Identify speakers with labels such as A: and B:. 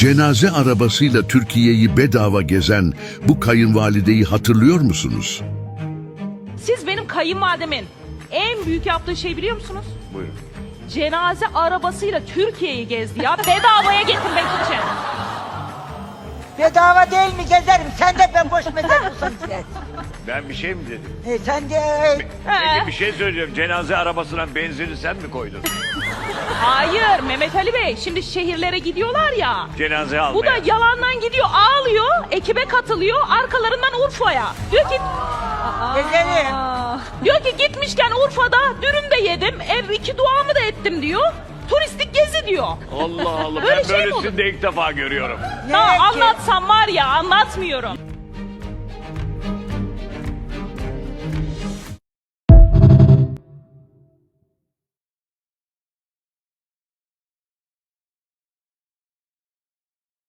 A: Cenaze arabasıyla Türkiye'yi bedava gezen bu kayınvalideyi hatırlıyor musunuz?
B: Siz benim kayınvalidemin en büyük yaptığı şey biliyor musunuz?
C: Buyurun.
B: Cenaze arabasıyla Türkiye'yi gezdi ya. Bedavaya getirmek için.
D: Bedava değil mi gezerim? Sen de ben boş mezar olsan gidersin.
C: Ben bir şey mi dedim?
D: Sen de
C: Peki bir şey söyleyeceğim. Cenaze arabasına benzini sen mi koydun?
B: Hayır Mehmet Ali Bey. Şimdi şehirlere gidiyorlar ya.
C: Cenaze almaya.
B: Bu da yalandan gidiyor, ağlıyor, ekibe katılıyor, arkalarından Urfa'ya. Diyor ki,
D: gezerim.
B: diyor ki gitmişken Urfa'da dürüm de yedim, ev 2 duamı da ettim diyor. Turistik gezi diyor.
C: Allah Allah.
B: Böyle
C: Ben
B: şey mi
C: böylesini de ilk defa görüyorum.
B: Ha, anlatsam var ya, anlatmıyorum.